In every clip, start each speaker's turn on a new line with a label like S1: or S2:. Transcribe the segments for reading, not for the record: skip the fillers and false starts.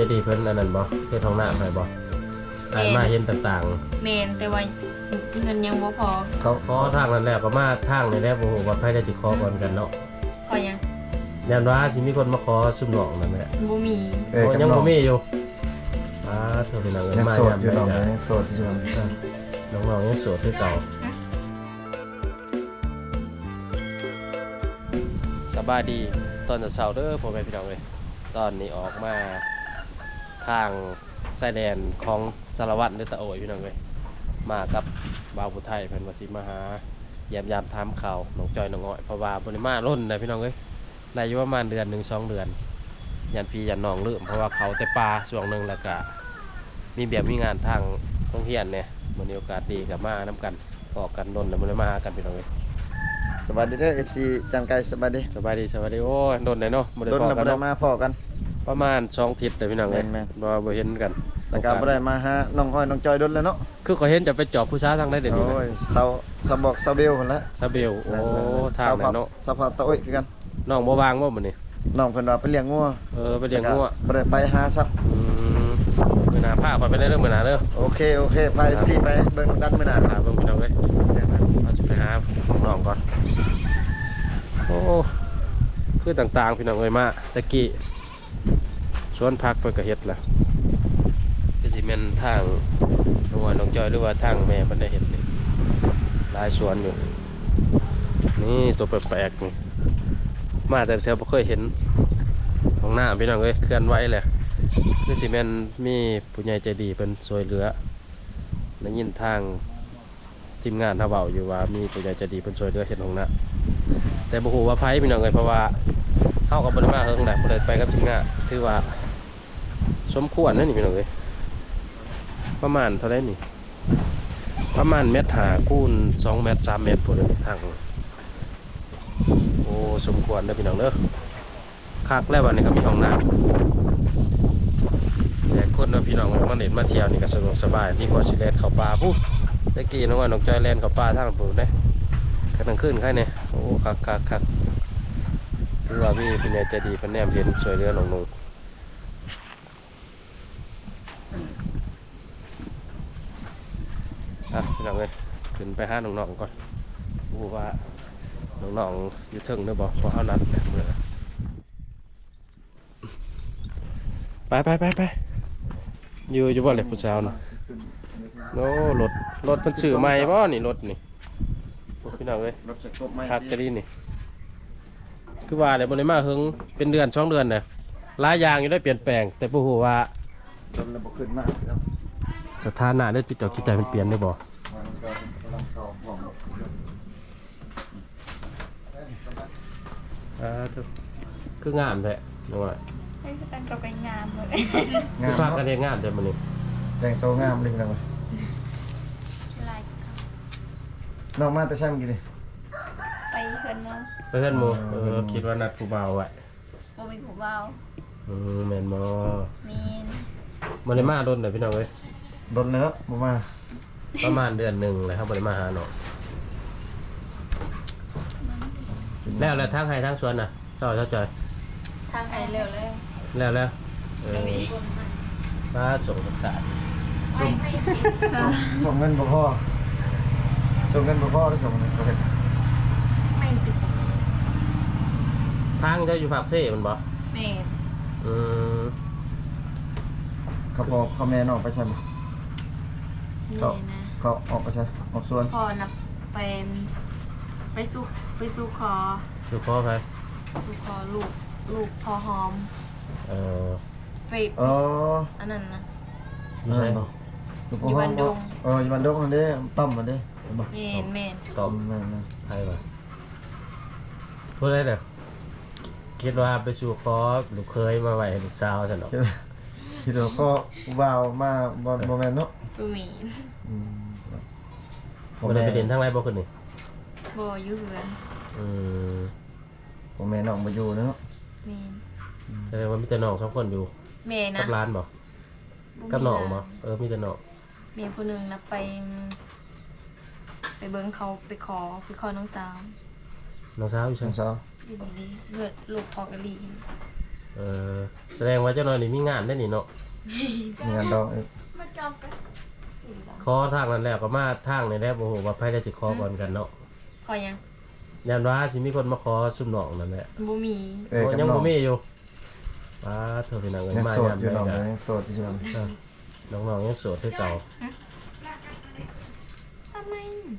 S1: ดีเพิ่นอันนั้นบ่เฮ็ดห้องน้ำให้บ่อ่านมาเห็นต่างๆ
S2: เมนแต่ว่าเงินยังบ่พอ
S1: เขาขอทางนั้นแล้วก็มาทางนี่แหละบ่ฮู้ว่าใครจะสิขอก่อนกันเนาะ
S2: พอยัง
S1: ยันว่าสิมีคนมาขอซุ่มน้องนั่นแหละ
S2: บ่มี
S1: ยังบ่มีอยู่เธอเป็นนาง
S3: ยัง
S1: เอ้ยมา
S3: โสดอยู่น้องยังโสดอยู่
S1: น้องๆยังโสดคือเก่าสบายดีตอนเช้าเด้อพ่อแม่พี่น้องเอ้ยตอนนี้ออกมาทางชายแดนของสารวัตรหรือตะโอยพี่น้องเอ้ยมากับบ่าวผู้ไทยเพิ่นว่าสิมาหาเยี่ยมยามถามข่าวน้องจอยน้องอ้อยเพราะว่าบ่ได้มาล้นได้พี่น้องเอ้ยได้อยู่ประมาณเดือน1 2 เดือนยันพี่ยันน้องลืมเพราะว่าเขาแต่ปลาช่วงนึงแล้วก็มีแบบมีงานทางโรงเรียนเนี่ยมันมีโอกาสดีกับมาน้ำกันออกกันล้นแล้วมันเลยมาหากันพี่น้องเอ้ย
S3: สวัสดีเด้อ FC จันไก่สวัสดี
S1: สบายดีโอ้ยล้นเลยเนาะบ่ได้
S3: โดน
S1: พอ
S3: แล้ว
S1: กั
S3: บ่
S1: น
S3: ได้
S1: เนาะ
S3: มาพอกัน
S1: ประมาณ2 อาทิตย์เลยพี่น้องเอ้ย
S3: แม่น
S1: บ่เห็นกัน
S3: แล้วก็บ่ได้มาหาน้องอ้อยน้องจอยโดนแล้วเนาะ
S1: คือเขาเห็นจะไปจอบผู้ชายทางได้เดี๋ยวนี้
S3: โอ้ยเซาบอกเซาเบลพุ่นละ
S1: ซาเบลโอ้ทางนั้นเนาะ
S3: เซาพัดตะโอ้ยคือกัน
S1: น้องบ่วางบ่มื้อนี้
S3: น้องเพิ่นว่าไปเลี้ยงงัว
S1: ไปเลี้ยงงัว
S3: บ่ได้ไปหาซับ
S1: มื้อหน้าพาไปได้เด้อมื้อหน้าเด้อ
S3: โอเคไป FC ไปเบิ่งกันมื้อหน้า
S1: หาเบิ่งพี่น้องเอ้ยเราจะไปหาน้องก่อนโอ้คือต่างๆพี่น้องเอ้ยมาตะกี้สวนผักเพิ่นก็เฮ็ดล่ะก็สิแม่นทางน้องอ้อยน้องจอยหรือว่าทางแม่เพิ่นได้เฮ็ดนี่หลายสวนอยู่นี่ตัวแปลกๆนี่มาแต่แถวบ่เคยเห็นของหน้าพี่น้องเอ้ยเคลื่อนไหวแหละคือสิแม่นมีผู้ใหญ่ใจดีเพิ่นช่วยเหลือได้ยินทางทีมงานเฮาเว้าอยู่ว่ามีผู้ใหญ่ใจดีเพิ่นช่วยเหลือเฮ็ดของหน้าแต่บ่ฮู้ว่าไผพี่น้องเอ้ยเพราะว่าเฮาก็บ่ได้มาเฮิงได้บ่ได้ไปกับทีมงานถือว่าสมควรนะนี่พี่น้องเอ้ยประมาณเท่าไหร่นี่ประมาณเมตรหาคูณ2 เมตร 3 เมตรพุ่นทางโอ้สมควรเด้อพี่น้องเด้อคักแล้ววันนี้ก็มีห้องน้ำแต่คนเนาะพี่น้องมาเล่นมาเที่ยวนี่ก็สะดวกสบายดีกว่าสิแล่นเข้าป่าพุตะกี้น้องว่าน้องจอยแล่นเข้าป่าทางพุ่นเด้กำลังขึ้นใครเนี่ยโอ้คักคือว่ามีเป็นใหญ่ใจดีเพิ่นแนมเห็นช่วยเหลือน้องๆพี่น้องเอ้ยขึ้นไปหาน้องๆก่อนรู้ว่าน้องๆอยู่เทิงเด้อบ่เพราะเฮานัดแบบมื้อไปอยู่บ่เลยผู้สาวน่ะโน้รถเพิ่นซื้อใหม่บ่นี่รถนี่พี่น้องเอ้ย
S3: รถจะครบไหม
S1: คักจะดีนี่คือว่าได้บ่ได้มาเฮิงเป็นเดือน2 เดือนน่ะหลายอย่างอยู่ได้เปลี่ยนแปลงแต่บ่ฮู้ว่า
S3: รถระบบขึ้นมากแล้ว
S1: สถานะหรือจิตใจมันเปลี่ยนได้บ่คืองามแท้น้องว่า
S2: ให้ตั้งก็ไปงามเลย
S1: คือพากันเฮ็ดงามแต่มื้อนี้
S3: แต่งตัวงามเลยพี่น้อง
S2: ลาย
S3: น้องมาแต่ใช่เมื่อกี้ดิ
S2: ไปเพิ่นเนาะ
S1: เพื่อนหมู่คิดว่านัดผู้บ่าวไว้
S2: บ่มีผู้เบา
S1: แม่นบ่
S2: มีน
S1: บ่ได้มาโดนเด้อพี่น้องเอ้ย
S3: รถเนื้อบ่มา
S1: ประมาณเดือนหนึงแล้วครับบ่ได้มาหาน้องแล้วทางให้ทางสวนน่ะซอยเข้าใจ
S2: ทางไปเร็วเลย
S1: แล้วมาส่งประกาศ
S3: ส่งเงินบ่พอได้ส่งเงินเขาเฮ็ด
S2: ไม่ติด
S1: ทางจะอยู่ฝากเซ่มันบ่
S2: เมน
S3: เขาบอกเขาแม่นออกไปใช่บ่
S2: นี่นะ
S3: เขาออกไปใช่ออกสวน
S2: พอนับไปสู้คอ
S1: อยู่พ่อไป
S2: สู้คอลูกพอหอม
S1: เออ
S2: ไป
S3: อ๋อ
S2: อันนั้นนะ
S1: อยู่ใช่
S2: อยู่บ้านดง
S3: อยู่บ้านดงนั่นเด้ต้อมมันเด้บ่
S2: เมน
S1: ตอบ
S3: แม่น
S1: ใครบ่พูดได้เด้อคิดว่าไปสู่คอลูกเคยมาไว้ให้ลูกสาวซั่นดอก
S3: คิดว่าก็ว่าวมาบ่แม่นเนาะ
S2: ตัวมี
S1: บ่ได้ไปเรียนทางไรบ่ขึ้นนี่
S2: บ่อยู่เฮือน
S3: ผมแม่น้องมาอยู่เนาะ
S2: เมน
S1: แสดงว่ามีแต่น้อง2 คนอยู่
S2: เมนนะ
S1: กับร้านบ่กับน้องบ่มีแต่น้อง
S2: เมนคนหนึ่งนะไปเบิ้งเขาไปขอน้องสาว
S1: น้องสาวอยู่
S3: ส
S1: ใช่
S3: งสาว
S2: ดีเลือดลูกพอกะลี
S1: เออแสดงว่าเจ้าน้อยนี่มีงานได้นี่เนาะ
S3: มีงานดองอีก
S2: มาจอบกัน
S1: ขอทางนั้นแล้วก็มาทางนี่แหละบ่ฮู้ว่าไผได้สิขอก่อนกันเนาะ
S2: ขอยัง
S1: ยันว่าสิมีคนมาขอซุ่มน้องนั่นแหละ
S2: บ่มี
S3: เอ้ย
S1: โอ้
S3: กับ
S1: ยัง
S3: น้อ
S1: บ่
S3: ง
S1: มีอยู่ป้าเธอพี่น้องเอ้ย
S3: ยัง
S1: มา
S3: โสด
S1: ยาม
S3: อยู่
S1: ใด
S3: น้อง
S1: ก็
S3: ยังโสดอยู่น้อง
S1: น้องๆยังโสดคือเก่า
S2: ทำไม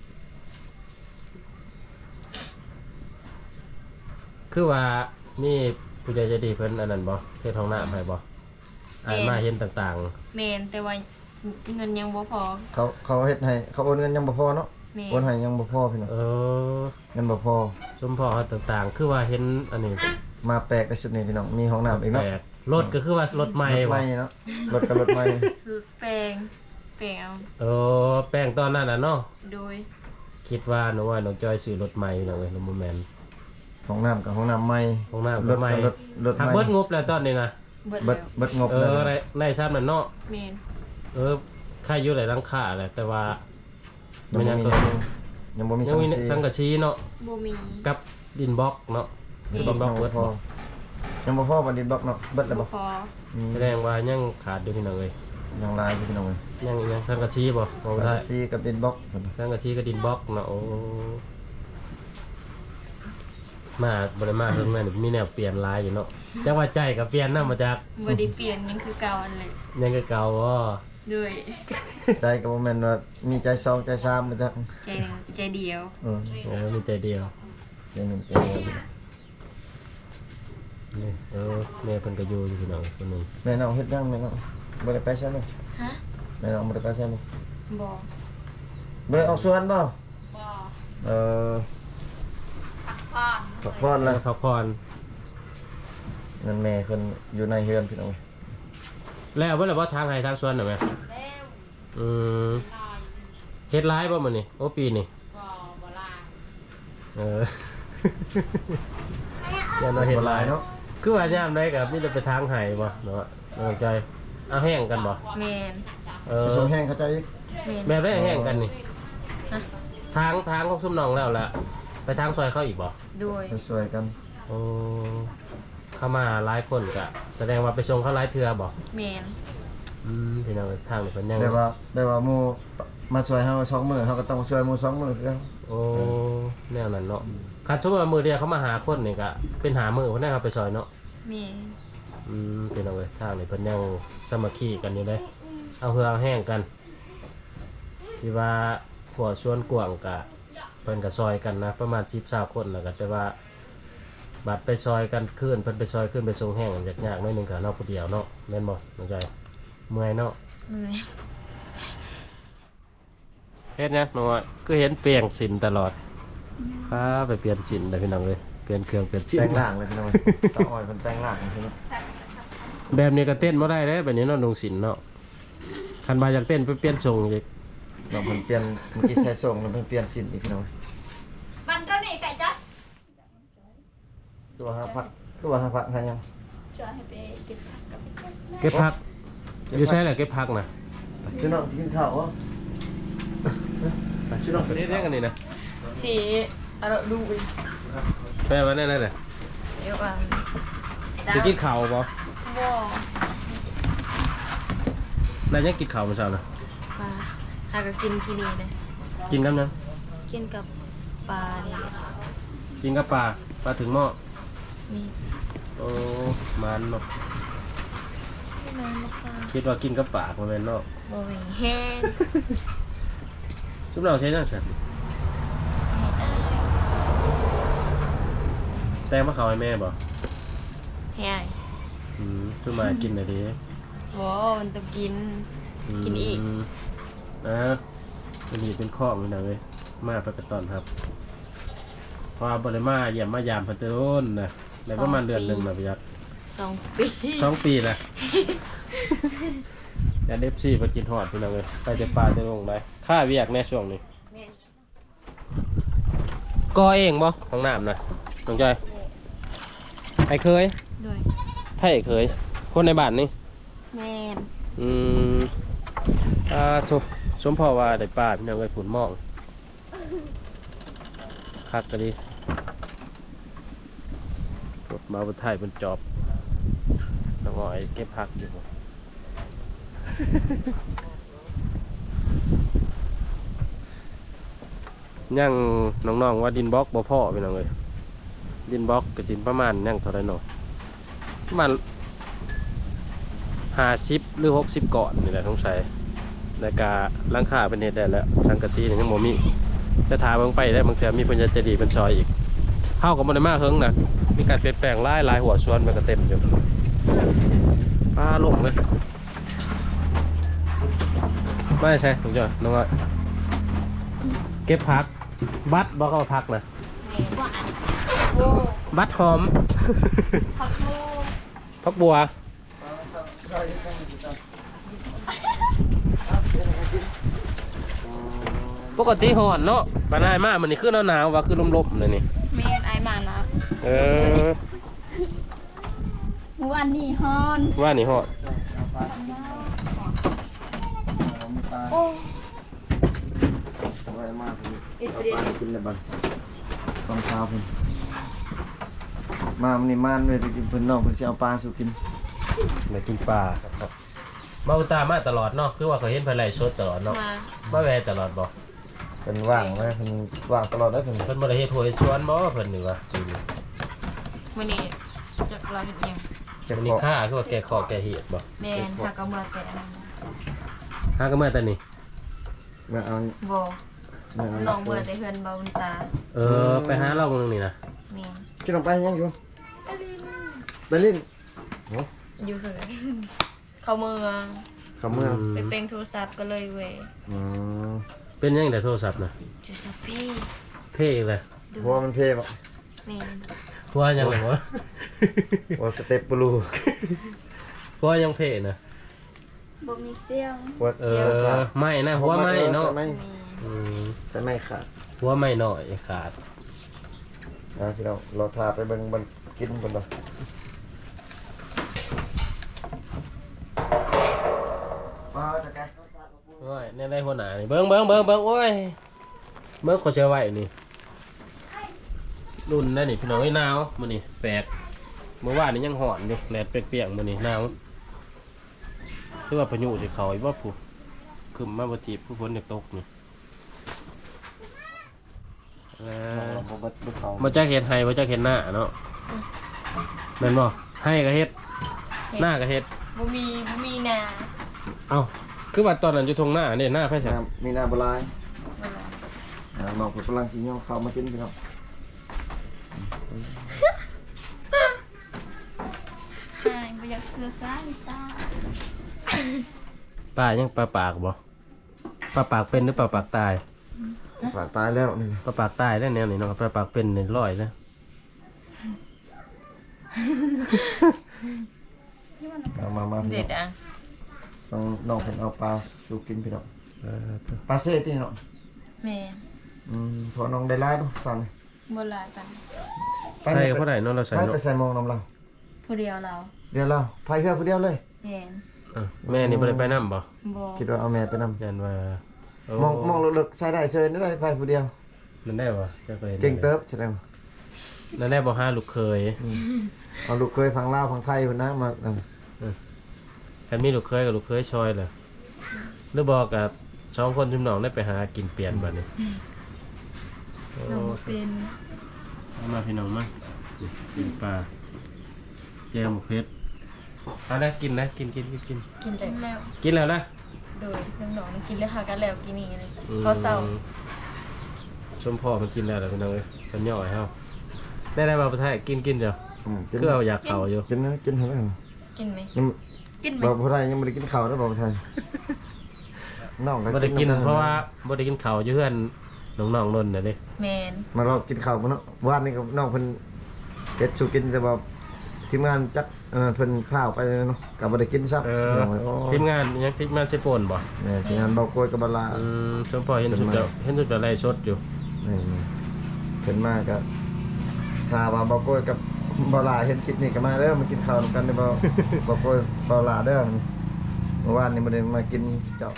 S1: คือว่ามีผู้ใหญ่ใจดีเพิ่นอันนั้นบ่เฮ็ดห้องน้ำให้บ่อ่านมาเห็นต่าง
S2: แมนแต่ว่าเงินยังบ่พอ
S3: เขาเฮ็ดให้เขาโอนเงินยังบ่พอเนาะ
S2: แมน
S3: โอนให้ยังบ่พอพี่น้อง
S1: ๆ
S3: เงินบ่พอ
S1: สมพอเขาต่างๆ คือว่าเห็นอันนี้
S3: มาแปลกในชุดนี้พี่น้องมีห้องน้ำอีกเนาะ
S1: แปลกรถก็คือว่ารถใหม่
S3: รถ
S1: บ่
S3: ใหม่เนาะรถกับรถใหม่
S2: รูดแปลงเอา
S1: แป้งตอนนั้นน่ะเนาะ
S2: โดย
S1: คิดว่าหนูว่าน้องจอยซื้อรถใหม่เนาะเว้ยน้องบ่แม่น
S3: ห้องน้ำกับห้องน้ำใหม่
S1: ห้องน้ำ
S3: ร
S1: ก็
S3: ถ
S1: ใหม่
S3: กับรถ
S1: ถ้า
S3: ใหม่
S1: เบิดงบแล้วตอนนี้นะ
S2: เบิด
S3: เบิ
S2: แล้
S3: ด
S2: ว
S3: เบิดงบ
S1: เอ
S3: แล้ว
S1: อได้ซ้ำนั่นเนาะ
S2: แมน
S1: ค่าอยู่หลายรังค่าแหละแต่ว่า
S3: ยังบ่มียังบ่มี
S1: ยั
S3: สั
S1: ง
S3: ง
S1: มี
S3: สี
S1: สังกะสีเนาะ
S2: บ่มี
S1: กับดินบล็อกเนาะดินบล็อกเบิด
S3: พอ
S1: บ่
S3: ยังบ่พอบัดนี้บล็อกเนาะเบิดแล้วบ่
S2: พอ
S1: แสดงว่ายังขาดอยู่พี่น้องเอ้ย
S3: ยังลายอยู่พี่น้องเอ้ย
S1: ยังสังกะสีบ่บ่
S3: สัง
S1: ได้
S3: กะสีกับดินบล็อก
S1: สังกะสีกับดินบล็อกเนาะโอ้มาบ่ได้มาเพิ่งแม่นมีแนวเปลี่ยนหลายอยู่เนาะจังว่าใจก็เปลี่ยนนำมาจาก
S2: บ่ได้เปลี่ยนยังคือเก่าอันเลย
S1: ยังคือเก่าบ่
S2: ด้วย
S3: ใจก็บ่แม่นว่ามีใจสองใจสามบ่จัก
S2: ใจหนึ่งใจเดียว
S1: มีใจเดียว
S3: ใจหนึ่งใจเดียว
S1: นี่แม่เพิ่นก็อยู่พี่น้องคนหนึง
S3: แม่น้องเฮ็ดยังแม่น้องบ่ได้ไปใช่มั้ย
S2: ฮะ
S3: แม่น้องบ่ได้ไปใช่มั้ย
S2: บ่
S3: บ่ได้ออกสวนบ่
S2: บ่
S3: เออ
S2: พ่อ
S3: พักผ่อน
S1: แล้
S3: แล้ว ว
S1: พักผ่อน
S3: เงินแม่เพิ่นอยู่ในเฮือนพี่น้อง
S1: แล้วเพิ่นว่าทางให้ทางสวนน่ะแม่
S2: แล้ว
S1: อืมเฮ็ดร้ายบ่มื้อนี้โอ้ปีนี่
S2: บ่ลา
S1: เออ อย่ามาเฮ็ดร้าย
S3: เนาะ
S1: คือว่ายามใดก็มีแต่ไปทางให้บ่เนาะเอาใจเอาแห้งกันบ่
S2: แมน
S1: เอ
S3: ไป
S1: อ
S3: ส่งแห้งเขาเจ้าอีก
S2: แมน
S1: แบบได้แห้งกันนี่
S2: ฮะ
S1: ทางของซุมน้องแล้วล่ะไปทางซอยเขาอีกบ่
S2: ด้วย
S3: ไปสวยกัน
S1: โอ้เข้ามาหลายคนก็แสดงว่าไปส่งเขาหลายเทื่อบ่
S2: แมน
S1: พี่น้องทางนี่เพิ่นยัง
S3: แบบว่าหมู่มาสวยเฮา2มื้อเฮาก็ต้องสวยหมู่2มื้อคือกัน
S1: โอ้แนวนั้นเนาะคันสมมุติว่ามื้อเดียวเขามาหาคนนี่ก็เป็นหามื้อเพิ่นได้เอาไปซอยเนาะ
S2: แมน
S1: พี่น้องเอ้ยทางนี่เพิ่นยังสามัคคีกันอยู่เลยเอาเหือเอาแห้งกันที่ว่าหัวชวนกวางกะเพิ่นก็ซอยกันนะประมาณ10-20คนแล้วก็แต่ว่าบัดไปซอยกันขึ้นเพิ่นไปซอยขึ้นไปส่งแห้งยากๆหน่อยหนึงก็เนาะผู้เดียวเนาะแม่นบ่น้องใจเมื่อยเนาะ
S2: เมื่อย
S1: เฮ็ดหยังน้องอ้อยคือเห็นเปลี่ยนสินตลอดครับไปเปลี่ยนสินได้พี่น้องเอ้ยเปลี่ยนเครื่องเปลี่ยนสิน
S3: แต่งร่างเลยพี่น้องสาวอ้อยเพิ่นแต่งร่างพี่น้อง
S1: แบบนี้ก็เต้นบ่ได้เด้แบบนี้เนาะลงสินเนาะคันบ่าอยากเต้นไปเปลี่ยนทรงอีก
S3: น้องเพิ่นเปลี่ยนเมื่อกี้ใส่ส่งแล้วเพิ่นเปลี่ยนสินอีกพี่น้อง
S2: มันเท่านี้ไก่จ๊ะ
S3: ตัว5พักให้ยัง
S2: จอยให้ไปเก็บผักกับ
S1: เก็บผักอยู่ใช่แหละเก็บผักนะ
S3: ชื่อน้องสิกินข้าวบ่ชื่อน้องสิ
S1: นี่เรียกกันนี่นะ
S2: สีอะไรดูอีก
S1: แปลว่าแน่ๆเลย
S2: เดี๋ยวอ่ะ
S1: จะกินข้าวบ่
S2: บ่
S1: แล้วยังกินข้าวมื้อเช้านะ
S2: ปลาหาก็กินที่นี่เลย
S1: กินกับหยัง
S2: กินกับปลานี่
S1: กินกับปลาถึงหม้อ
S2: นี่
S1: โอ้มันเนาะ
S2: ไม่นานนะคะ
S1: คิดว่ากินกับปากบ่แม่นเนาะ
S2: บ่มีแห้ง
S1: ซุมเราใช้จังซั่นแต่มาเข้าให้แม่บ่
S2: แห้ง
S1: ซุมมากินได้ดี
S2: บ่มันต้องกิน กินอีก
S1: มันนี่เป็นข้องนี่นะเว้ยมาไปกระตอนครับพอบ่ได้มาเยี่ยมมายามเพิ่นแต่โดนนะได้ประมาณเดือนหนึงน่ะพี่ยักษ์
S2: 2 ปี
S1: 2 ปีนะอย่าเดฟซี่ไปกินฮอดพี่น้องเอ้ยไปแต่ป่าแต่ลงได้ค่าเวียกแน่ช่วงนี้
S2: แม่น
S1: ก่อเองบ่ห้องน้ำนะน้องจอยไอ้เคย
S2: ด้วย
S1: ไผเคย คนในบ้านนี่
S2: แม่น
S1: สมพอว่าได้ป่าพี่น้องเอ้ยผุนหมองคักก็ดีรถมาบนไทยบนจอบหอยเก็บผักอยู่ ยังน้องๆว่าดินบล็อกบ่พ่อพี่น้องเอ้ยดินบล็อกก็สิประมาณยังเท่าไหร่เนาะประมาณ50หรือ60ก่อนนี่แหละสงสัยแล้วก็หลังคาเป็นเฮ็ดได้แล้วสังกะสีนี่ยังบ่มีแต่ถ้าเบิ่งไปได้บางเทื่อมีเพิ่นจะดีเป็นซอยอีกเฮาก็บ่ได้มาเฮิงนะมีการเปลี่ยนแปลงหลายหัวสวนมันก็เต็มอยู่ปลาลงเลยไม่ใช่ถูกจ้ะน้องอ้อยเก็บผักบัตรบอกว่าผักนะ
S2: แม่ว่าอันโอ้
S1: บัตรหอม
S2: ผักโม่
S1: ผักบัวปกติหอนเนาะปานายมากมันนี่คือหนาวๆว่าคือลมๆเลยนี่
S2: แม่ไอมานะ
S1: เออ
S2: วันนี้ฮอน
S1: ว่านี่หอน
S2: โอ้
S3: ไว้มากเลยเอาปลากินในบ้านตอนเช้าพุ่นมามันนี่มานเลยไปกินเพิ่นน้องเพิ่นสิเอาปลาสู่กิน
S1: มากินปลาครับมาอุตามาตลอดเนาะคือว่าเขาเห็นเพิ่นไล่สดตลอดเนาะ
S2: มา
S1: มาแวะตลอดบ่
S3: เพิ่นว่างไว้เพิ่นว่างตลอดได้เพิ่น
S1: เพิ่นบ่ได้เฮ็ดถ้วยสวนบ่เพิ่นนี่ว่าจริง
S2: วันนี้จะเราเห็นยัง
S3: เก็บ
S1: นี่
S3: ของ
S1: ค่าคือว่าแกะขอแกะเหียดบ่
S2: แม่ผักกระเมือแกะ
S1: หาก็เมื่อตอนนี้
S3: มาเอา
S2: โบ
S3: มาเอา
S2: น้องเบื่อแต่เฮือนเบาบุญตา
S1: เออไปหาเราเมืองนี่นะ
S2: แม่
S3: กินลงไปยังอยู่
S2: อลิน
S3: ไปเล่นโห
S2: อยู่เหือนเข้าเมือง
S3: เขาเมือง
S2: ไปเป็นโทรศัพท์ก็เลยเว้ย
S3: อืม
S1: เป็นยังแต่โทรศัพท์นะ
S2: โทรศัพท์พี่
S1: เท่อีกเลย
S3: หัวมันเพ่บ่
S2: แม่
S1: หัวยังไงวะ
S3: หัวสเต็ปบลู
S1: หัวยังเท่นะ
S2: บ่มีเสียง
S3: หัว
S1: เออไม่นะหัวไม่เนาะ
S3: ใส่ไม้
S1: อืม
S3: ใส่ไม้ขาด
S1: หัวไม่หน่อยขาด
S3: พี่น้องเราทาไปเบิ่งมันกินเพิ่นบ่มาตะแก
S1: โอ้ยในได้หัวหน้านี่เบิ้งโอ้ยเบิ้งขอเชื่อไว้นี่รุ่นนั่นนี่พี่น้องไอ้หนาวมื้อนี้แปลกเมื่อวานนี่ยังหอนอยู่แดดเปรียกๆมื้อนี้หนาวคือว่าพายุสิเข้าอีกบ่ผู้ขึ้นมาบ่จีบผู้ฝนอยากตกนี่บ่จักเฮ็ดให้บ่จักเฮ็ดหน้าเนาะแม่นบ่ให้ก็เฮ็ดหน้าก็เฮ็ด
S2: บ่มีนา
S1: เอ้าคือว่าตอนนั้นอยู่ทงหน้าเนี่ยหน้าไผใช่
S3: มีหน้าบ่ลาย
S2: บ่ล่ะ
S3: น้องเพิ่นกำลังสิย่อเข้ามากินพี่น้อง
S2: หายบ่อยากเสือสายตา
S1: ป้ายังปลาปากบ่ปลาปากเป็นหรือปลาปากตาย
S3: ปลาตายแล้วนี่
S1: ปลาปากตายแล้วแนวนี้เนาะปลาปากเป็นนี่ร้อยแล้ว
S3: มา
S2: เด็ดอ่ะ
S3: น้องเพิ่นเอาปลาสู่กินพี่น้อง
S1: เออ
S3: ปลาเซ่ติเนาะ
S2: แม่
S3: พอน้องได้หลายบ่สั่น
S2: บ่หลายปาน
S1: ใส่เขาได้เนาะเราใส่
S3: ไป
S1: เนาะ
S3: ใส่มองน้ำเรา
S2: ผู้เดียวเรา
S3: เดี๋ยวเราพายเรือผู้เดียวเลย
S2: แม่น
S1: แม่นี่บ่ได้ไปนำบ่
S2: บ่
S3: คิดว่าเอาแม่ไปนำ
S1: ยันว่าม
S3: องเลิกๆใส่ได้เชิญได้พายผู้เดียว
S1: นั่นได้บ่จะเคยห็น
S3: เก่งเติบแสดง
S1: นั่นได้บ่หาลูกเคย
S3: เอาลูกเคยพังลาวพังไทยพุ่นนะมา
S1: คันมีลูกเคยกับลูกเคยชอยเลยหรือบอกกับสองคนชุมน้องได้ไปหากินเปลี่ยนบัดนี้โอ้
S2: เราบ่เป็น
S1: เอามาพี่น้องมากินปลาแจวหมูเพชรเอาละกินนะกิน
S2: กินแล้ว
S1: กินแล้วนะ
S2: โดยน้องๆกินแล้วหากันแล้วกินนี่เลยข้าวเช้า
S1: ชมพ่อมันกินแล้วเดี๋ยวพี่น้องเอ้ยมันย่อยเฮาได้มาประเทศกินเจ้า
S3: กิน
S1: คือเอาอยากเข่าอยู่
S3: กินนะกินเท่าไหร่
S2: กินไหม
S3: ยัง
S2: กินไหม
S3: บอกผู้ไทยยังไม่ได้กินข้าวนะบอกผู้ไทยน้อง
S1: บ่ได้กินเพราะว่าบ่ได้กินข้าวอยู่เพื่อนน้องๆนนท์น่ะเด้
S2: แมน
S3: มารอกินข้าวมื้อเนาะวานนี้กับน้องเพิ่นเฮ็ดสู่กินแต่ว่าทีมงานจักเพิ่นพาออกไปเนาะก็บ่ได้กินซับ
S1: ทีมงานยังทีมงานใช้โปนบ่
S3: เนี่ยทีมงานเบาโกยกับบลา
S1: ชมพ่อเห็นสุดจะไล่สดอยู่
S3: นี่เพิ่นมาก็ถ้าว่าเบาโกยกับบ่ลาเห็นคลิปนี้ก็มาเด้อมากินข้าวนำกันเด้อบ่โกยบ่ลาเด้อเมื่อวานนี้บ่ได้มากินเจ้า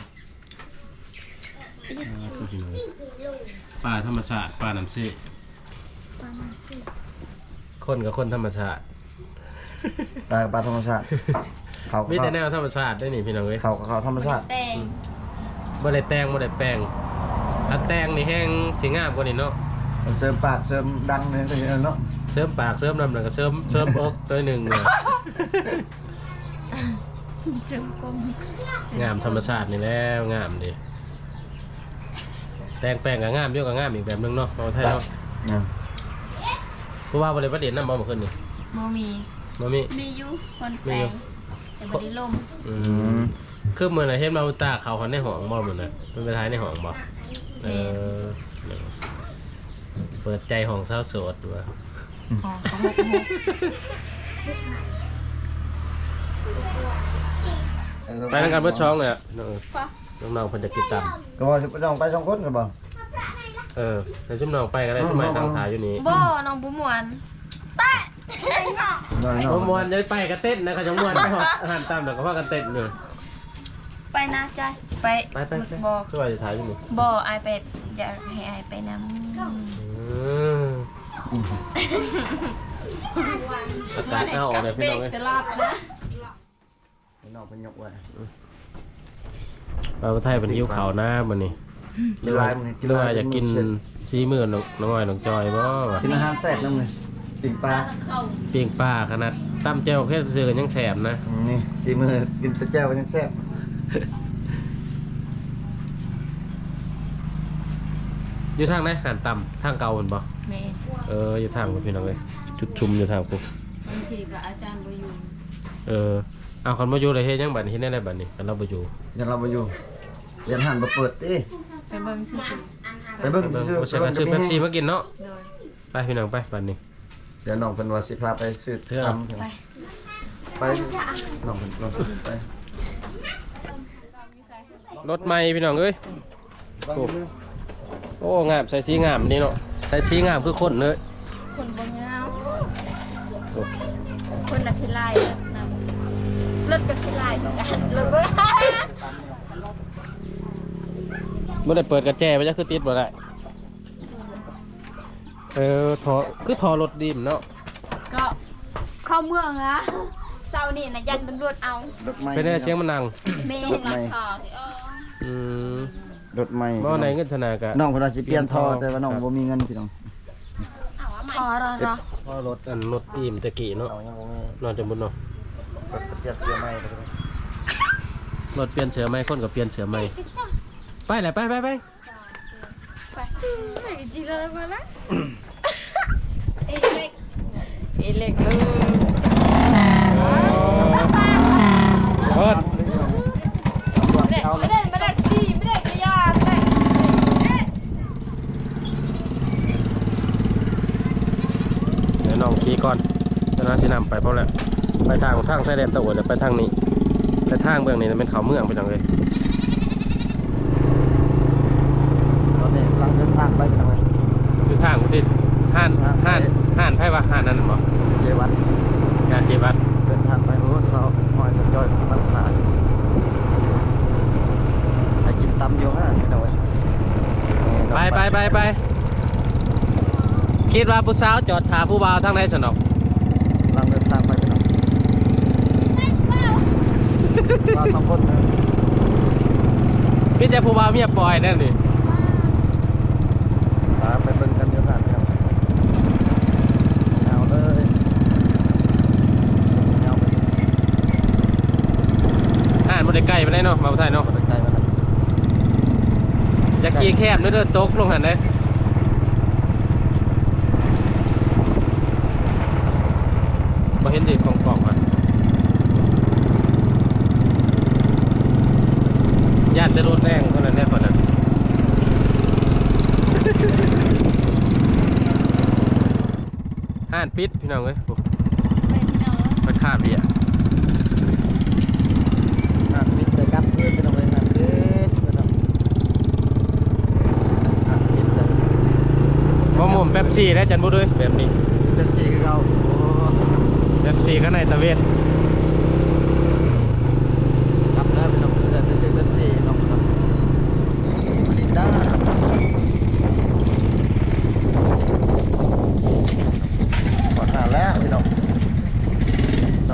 S1: ปลาธรรมชาติปลาน้ำซีคนกับคนธรรมชาติ
S3: ปลาธรรมชาติเขา
S1: มีแต่แนวธรรมชาติได้นี่พี่น้องเอ้ย
S3: เขาธรรมชาติ
S2: แตง
S1: บ่ได้แต่งบ่ได้แปลงถ้าแต่งนี่แห้งสิงามกว่านี้เนาะ
S3: เสริมปากเสริมดังเลยเนาะ
S1: เสริมปากเสริมน้ำแล้วก็เสริมอกตัวหนึงเนี่ย
S2: เสริมกลม
S1: งามธรรมชาตินี่แล้วงามดิแต่งแปลงก็งามอยู่ก็งามอีกแบบนึงเนาะเอาไทยเนาะเพราะว่าบ่ได้ประเด็นนำบ่เมื่อคืนนี่
S2: บ่มี
S1: บ่มี
S2: มีอยู่คนแปลงแต่บ่ได้ล่ม
S1: อืมคือมื้อน่ะเห็นมาตาเขาหันในห้องบ่มื้อน่ะมันไปท้ายในห้องบ่เออเปิดใจห้องสาวโสดว่า
S2: อ๋อเขาหก
S1: ไปทางการเบิดช่องเลยอ่ะน้องๆเพิ่นจะติดตาม
S3: ก็ว่าจะต้องไปสองคนกันบ่
S1: แต่ชุมน้องไปก็ได้ชุมใหม่ทางถ่ายอยู่นี่
S2: บ่น้องบ่ม่วนแตะ
S1: บ่ม่วนจะไปก็เต้นนะเขาจังม่วนไปฮอดอาหารตามเดี๋ยวก็พากันเต้นอยู่
S2: ไปนะจอยไป
S1: ไป
S2: บ่
S1: ช่วยจะถ่ายอยู่นี่
S2: บ่อายไปอยากให้อายไปนำ
S1: อากาศเอาออกเลยพี่น้องเอ้ย
S2: ตลาดนะ
S3: น้องเป็นยกไว้
S1: เราไทยเป็นหิวข้าวนะมื้อนี้หรือว่าอยากกินซีมื้อน้อยน้องจอยบ่วะ
S3: กินอาหารแซ่บน้ำเลยปิ้งปลา
S1: ปิ้งปลาขนาดตำแจ่วแค่ซื้อกันยังแสบนะ
S3: นี่สีมือกินตะแจ้วยังแซ่บ
S1: อยู่ทางไหนหันต่ำทางเก่ามันบ่
S2: แม่
S1: อยู่ทางพี่น้องเลยจุดชุมอยู่ทางปุ๊บบ
S2: างทีก็อาจารย์บ่อยู่
S1: เอาคนมาอยู่เลยเฮ็ดยังบัดนี้เฮ็ดได้ไรบัดนี้กันเราบ่อยู่
S3: ยันเราไปอยู่ยันหันมาเปิดติ
S2: ไปเบิ่งซื่อ
S3: ไปเบิ่ง
S1: บ่
S3: ซื้อ
S1: ใช่กันซื้อเป๊ปซี่มากินเนาะ
S2: ๆโดย
S1: ไปพี่น้องไปบัดนี้
S3: เดี๋ยวน้องเพิ่นว่าสิพาไปซื้อทำ
S2: ไป
S3: ไปน้องเพิ่นลองซื้อไป
S1: รถใหม่พี่น้องเอ้ยโอ้งามใส่สีงามนี่เนาะใส่สีงามคือคนเลย
S2: คนบ่ยาว
S1: โอ้
S2: คนน่ะขี้ลายนำรถก็ขี้ลายเหมือนกันรถบ่
S1: บ่ได้เปิดกระแจไว้จะคือติดบ่ได้ทอคือทอรถดีมเนาะ
S2: ก็เข้าเมืองนะเช้านี่น่ะยันตำรวจเอา
S3: รถใหม่
S1: เป็นได้เสียงมันดัง
S2: แม่
S3: รถใหม่
S1: อืม
S3: รถใหม่
S1: บ่ในเงินธนากะ
S3: น้องเพิ่นว่าสิเปลี่ยนท่อแต่ว่าน้องบ่มีเงินพี่น้อง
S2: ขอรอ
S1: พอรถรถอิ่มตะกี้เนาะ
S3: เอายังบ่มี
S1: นอนจนบุญเนาะ
S3: รถเปลี่ยนเสื้อใหม่ไปเลย
S1: รถเปลี่ยนเสือใหม่คนกับเปลี่ยนเสือใหม่ไปแหละไป
S2: ไปจีเลยมาละเอเล็กเลย
S1: เปิด
S2: ไม่ได้ดีไม่ได้กระยาไม่ได้
S1: เดี๋ยวน้องขี่ก่อนจะน่าสินำไปเพราะแหละไปทางไส้แดนตะวันไปทางนี้ไปทางเมืองนี้เป็นเขาเมืองไปจังเลย
S3: ตอนนี้กำลังเดินทางไปพี่น้องเอ้ย
S1: คือทางที่ห้านไพ่ว่าห้านนั่นบ่
S3: เจวัด
S1: งานเจวัด
S3: เดินทางไปโอ้เช้าหอยสนจอยมันขาดไปกินตำอยู่ฮะพี่น้องเอ้ย
S1: ไปคิดว่าผู้สาวจอดถาผู้บ่าวทางไหนสนอก
S3: กำลังเดินทางไปพี่น้องมาสองคนนะ
S1: พี่จะผู้บ่าวเมียปล่อยนั่นดิ
S3: ตามไปเบิ่งกันเดี๋ยวผ่านครับเอาเลยเอาไป
S1: ห้านบ่ได้ใกล้ไปได้เนาะมาไทยเนาะ
S3: ใกล้ๆมาแล้ว
S1: จะกี่แคบเด้อตกลงหันเด้บ่เห็นดิของกล่องอ่ะญาติจะรถแรงคนนั้นแน่คนนั้นห้านปิดพี่น้องเอ้ยโอ้ไปคาบเบียร์
S3: มิดเลยครับเพื่อนไปตรงเลยนะเพื่อนไปตรงมิดเลย
S1: บ่หมุมแป๊บซี่แล้วจันบุด้วยแบบนี้
S3: เป็นสีคือเขาโอ้
S1: แป๊บซี่ข้างในตะเวน
S3: ครับแล้วเป็นน้องเสือเป็นสีเป็นสีน้องครับมาลินดาขอทานแล้วพี่น้อง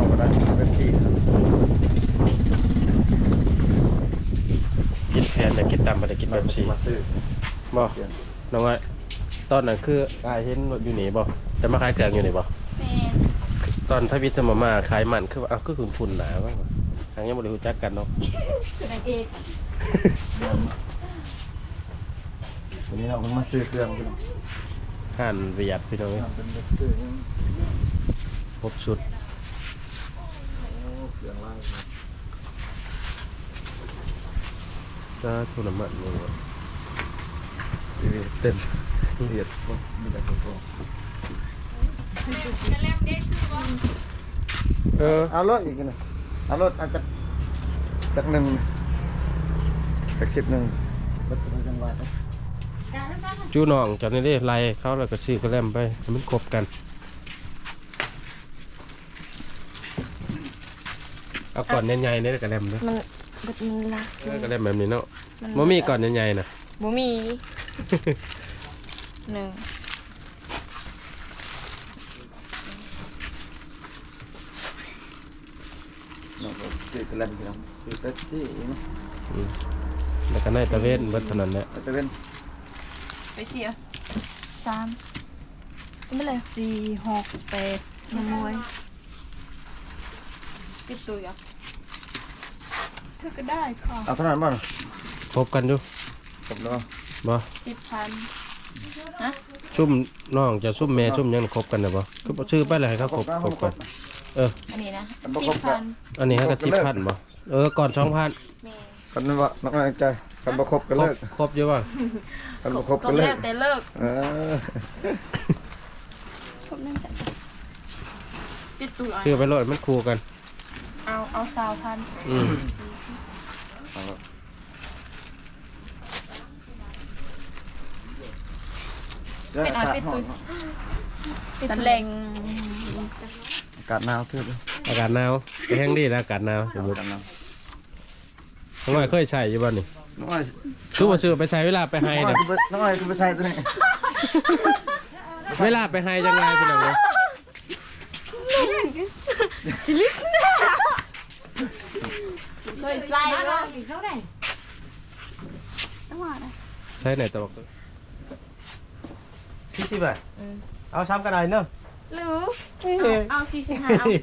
S1: นอยากกินตำบ่ได้กินแบบสี
S3: มาซื้อ
S1: บ่น้องอ้อยตอนนั้นคืออ้ายเห็นรถอยู่นี่บ่จะมาขายเครื่องอยู่นี่บ่
S2: แม่
S1: ตอนทวิตจะมาขายมันคือว่าก็คือฝุ่นหนาว่าทางยังบ่ได้รู้จักกันเนาะ
S2: นางเอก
S3: วันนี้เราเพิ่งมาซื้อเครื่องพี่น้อง
S1: ห่านเวียดพี่น้องเอ้ย
S3: เป็นเด็กซื้อยัง
S1: ครบสุด
S3: เครื่องล่างนะ
S1: ก็ทุนน้ำมันนี่ว่ะ
S3: เต็มเอียดมีแต่ตัว
S2: จะเล่มได้ซื้อบ่
S3: เอารถอีกนะเอารถอาจจะจากหนึ่งจาก10รถเป็นจังหวะ
S1: จูน้องจากนี่ได้ไล่เขาแล้วก็ซื้อกระแลมไปให้มันครบกันเอาก่อนใหญ่ๆเนี่ยกระแลมเนาะ
S2: มันรัก
S1: กระแลมแบบนี้เนาะบ่มีก่อนใหญ่ๆนะ
S2: บ่มีหนึ่ง
S3: เราก็ซื้อกระแลมพี่น้องซื้อเป๊ปซี่นะ
S1: แล้วก็ในตะเวนเบิดเท่านั้นแหละ
S3: แต่เป็น
S2: ไปเสีย3ไม่เลย4 6 8ยังมวยติดตัวอ่ะเธอก็ได้ค่ะ
S3: เอาเท่านั้นบ้าง
S1: ครบกันอยู่
S3: ผมเนาะ
S1: บ่
S2: 10,000ฮะ
S1: ซุ่มน้องจะซุ่มแม่ซุ่มหยังครบกันน่ะบ่คือบ่ชื่อไปเลยให้เขาครบกัน
S2: อันนี้นะ 10,000
S1: อันนี้ให้ก็10,000บ่ก่อน 2,000
S2: แม่
S3: กันว่านักใจกันบ่ครบกันเลิก
S1: ครบอยู่บ่
S3: กันบ่ครบ
S2: ก็
S3: กันเลิ
S2: แล้
S3: ก
S2: วแต่เลิก
S3: เออ
S2: ครบนั่นจ้ะติดตัว
S1: ชื่อไปโลดมันคู่กัน
S2: เอา20,000
S1: อืม
S2: เป็นอาเป็นตุยเป็นแรง
S3: อากาศหนาวเท่าเลย
S1: อากาศหนาวไปแห้งดีแล้วอากาศหนาวสมมุติน้องอ้อยเคยใส่อยู่บ่นี่
S3: น้อย
S1: คือบ่ซื้อไปใส่เวลาไปไฮน่ะ
S3: น้อยคือไปใส่ตัวนี้
S1: เวลาไปไฮจังไงพี่น้องเอ้ย
S2: ชิลิกเคยใส่แล้ว
S1: ใช้ไหนตะบอก
S4: 40 บาทเอาซ้ำกันหน่อยเนอะ
S2: หรือเอา45เอา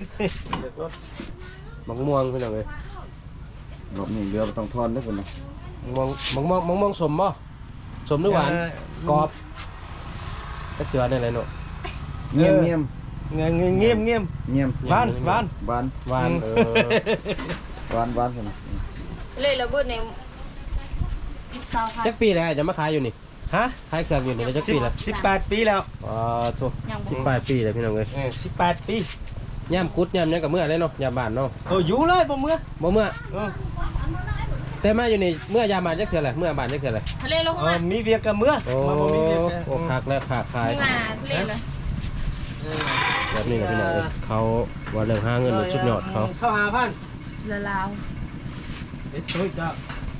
S1: มังม่วงพี่น้องเอ้ย
S3: รอบนี้เรือต้องทอนด้วยคนนะ
S1: มังม่วงสมบ่สมหรือหวานกรอบก็เสือนี่แหละเนาะ
S3: เงียบเงียบ
S4: เงียบ
S3: เงียบ
S4: บ้าน
S3: หวาน
S1: หวาน
S3: หวานคนนะ
S2: เลยระเบิดใน20,000
S1: จักปีแล้วจะมาขายอยู่นี่
S4: ฮะ
S1: ขายเครื่องอยู่นี่จักปีแล้ว
S4: 18 ปีแล้ว
S1: อ๋อโธ่18 ปีแล้วพี่น้องเอ้ย
S4: 18 ปี
S1: ย่ามกุดย่ามหยังกับเมื่อเลยเนาะยามบ้านเนาะ
S4: โอ้อยู่เลยบ่เมื่อ
S1: บ่เมื่อ
S4: เออ
S1: แต่มาอยู่นี่เมื่อยามบ้านจักเทื่อแหละเมื่อบ้านจักเทื่อแหละ
S2: ทะเลลง
S4: เอ
S2: มา
S4: อมีเวียกกับเมื่อ
S1: โอ้
S4: มาบ่มีเวียกกัน
S1: โอ้คักแล้วขาขาย
S2: มาทะเลเลย
S1: แบบนี้นะพี่น้องเอ้ยเขาว่าเรื่องหาเงินนี่สุดยอดเขา
S4: 25,000
S2: ละลาว
S4: เด็ดช่วยจ้า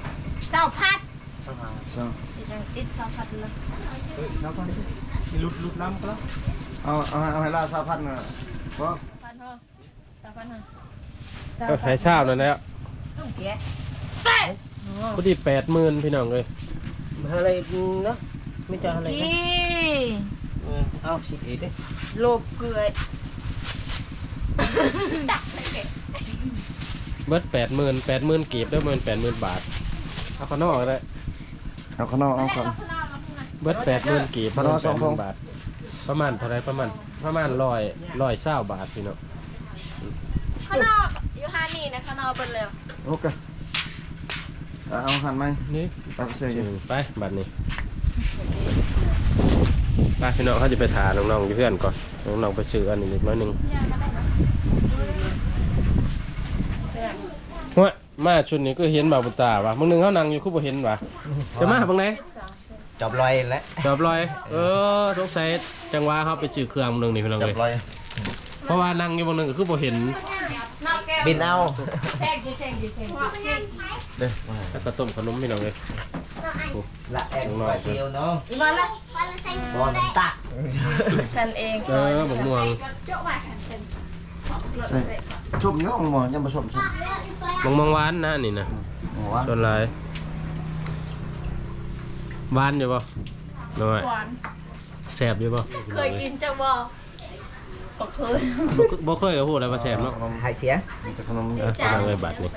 S2: 20,000
S3: ช่าง
S2: ยังติด20,000เลย
S4: 20,000มีหลุดน้ำก็แล้ว
S3: เอาให้ล่า3,000น่ะเพราะ
S2: พันเท่า3,000ฮะ
S1: ใช้เช้านั่นแหละ
S2: แกะ
S1: พอดี80,000พี่น้องเลย
S4: อะไรเนาะไม่จะอะไร
S2: กี่
S4: เอาสิเอ็ดดิ
S2: โลบเกลือจักเลยแกะ
S1: เบิด80,000กีบได้เงิน80,000 บาทเอาข้างนอกเลย
S3: เอาข้างนอกเอาก่อน
S1: เบิด80,000กีบ
S3: ข้างนอกสองทง
S1: 80,000 บาทประมาณเท่าไรประมาณ120 บาทพี่น้อง
S2: ข้างนอกอยู่ฮานี่นะข้างนอกเปิดเร็ว
S3: โอเคเอาหันไหม
S1: นี่
S3: ตัดเสื้ออยู่
S1: ไปบัดนี้ไปพี่น้องเขาจะไปถาน้องๆอยู่เพื่อนก่อนน้องๆไปซื้ออันนี้นิดน้อยหนึงหัวมาชุดนี้ก็เห็นบ่าวบุญตาว่ะมึงนึงเขานั่งอยู่คือบ่เห็นว่ะจะมาบังไหน
S4: จบลอยแล้ว
S1: จอบลอยสงสัยจังหวะเขาไปซื้อเครื่องนึงนี่พี่น้อง
S3: จั
S1: เล
S3: บ
S1: ย
S3: ลอย
S1: เพราะว่านั่งอยู่บางนึงก็คือบ่เห็น
S4: บินเอา
S2: แท่งดิแท่ง
S3: เด้อ
S1: แล้วก็ต้มขนมพี่น้องเลย
S4: ละแองปลาเซียวเนาะ
S2: มาละ
S4: บอลตัก
S2: ฉันเอง
S1: บักม่วง
S3: ชุ่มเนาะหมอยังผสมชุ่ม
S1: บักม่วงหวานนะนี่นะ
S3: หมอว่า
S1: ส่วนลายหวานอยู่ป่ะน้อย
S2: หวาน
S1: แซ่บอยู่ป่ะ
S2: เคยกินจะบอกก็เคย
S1: บ่เคยกับพูดอะไรมาแซ่บเนาะ
S4: หายเสีย
S3: มีแต่ขนม
S1: อ่ะพี่น้องเอ้ยบัดนี่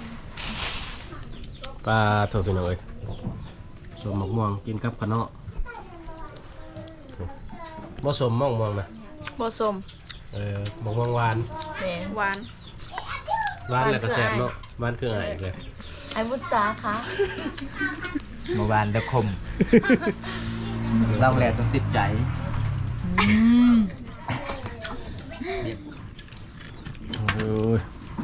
S1: ปลาโถพี่น้องเอ้ยสมมะม่วงกินกับขะเนาะบ่สมมะม่วงนะ
S2: ผสม
S1: มะม่วงหวาน
S2: แหมหวาน
S1: หวานแล้วก็แซ่บเนาะหวานคืออะไรอีกเลย
S2: ไอ้บุตตาคะ
S4: เมื่อวานเด็กคมเล่าแหล่ต้องติดใจ
S1: โอ้ย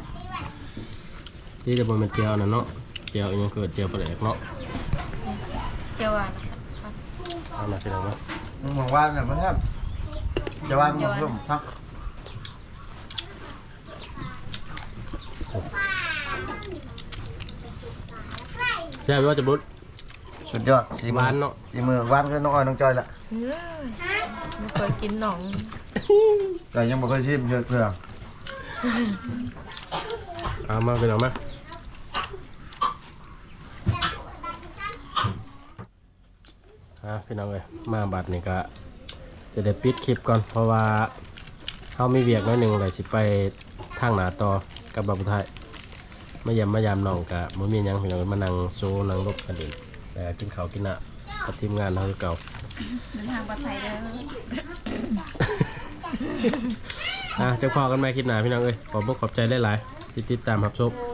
S1: ที่จะบนเป็นเจียวนะเนาะเจียวอีกอยังเกิดเจียวปลาแดกเนาะ
S2: เจียวหวาน
S1: เอามาสิน้องมา
S3: มึงบอกว่าเนี่ยมันแทบจะว่ามึงร่วมทัก
S1: แซ่บว่าจะบุด
S3: สุดยอดสี
S1: หวานเนาะ
S3: สีมือหวานคือน้องอ้อยน้องจอยละ
S2: ไม่เคยกินหนอง
S3: แต่ยังบ่เคยชิมเยอะเพื่อ
S1: เอามาพี่น้องมาพี่น้องเอ้ยมาบัดนี่ก็จะได้ปิดคลิปก่อนเพราะว่าเขามีเวียกน้อยหนึ่งเลยสิไปทางหนาต่อกับบับไทยมายามน้องกะมือมีหยังพี่น้องเอ้ยมานั่งโซนั่งรบกันเองแต่กินข้าวกินน้ำกับทีมงานเขาคือเก่า
S2: เดินทางปลอดภัยเด้อ
S1: จะพอกันไหมคลิปหน้าพี่น้องเอ้ยขอบอกขอบใจหลายๆที่ติดตามรับชม